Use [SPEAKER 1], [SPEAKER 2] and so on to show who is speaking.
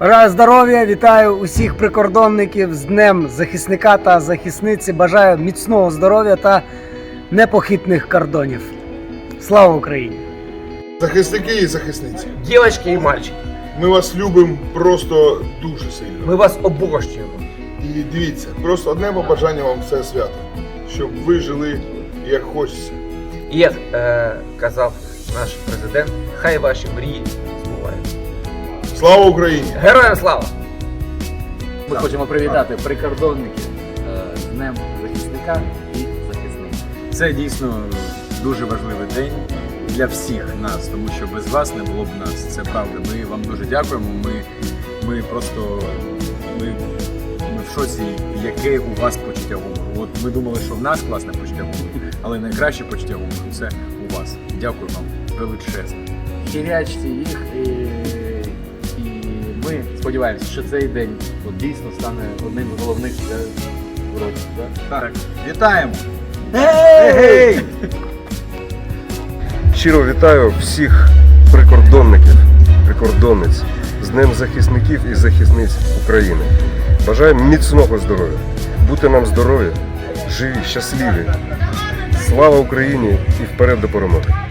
[SPEAKER 1] Бажаю здоров'я, вітаю усіх прикордонників з Днем захисника та захисниці. Бажаю міцного здоров'я та непохитних кордонів. Слава Україні!
[SPEAKER 2] Захисники і захисниці,
[SPEAKER 3] Дівчатки і мальчики,
[SPEAKER 2] ми вас любимо просто дуже сильно.
[SPEAKER 3] ми вас обожнюємо.
[SPEAKER 2] І дивіться, просто одне побажання вам все свято, щоб ви жили як хочеться.
[SPEAKER 3] І як казав наш президент, хай ваші мрії збуваються.
[SPEAKER 2] Слава Україні!
[SPEAKER 3] Героям слава!
[SPEAKER 4] Ми хочемо привітати прикордонників з Днем захисника і захисниць.
[SPEAKER 5] Це дійсно дуже важливий день для всіх нас, тому що без вас не було б нас. Це правда. Ми вам дуже дякуємо. Ми просто ми в шоці, яке у вас почуття гумору. От ми думали, що в нас класне почуття гумору, але найкраще почуття гумору це у вас. Дякую вам величезно.
[SPEAKER 4] Хірячте їх і ми сподіваємося, що цей день от, дійсно стане одним з головних в році.
[SPEAKER 5] Так, вітаємо!
[SPEAKER 6] Щиро вітаю всіх прикордонників, прикордонниць з Днем захисників і захисниць України. Бажаю міцного здоров'я, бути нам здорові, живі, щасливі. Слава Україні і вперед до перемоги!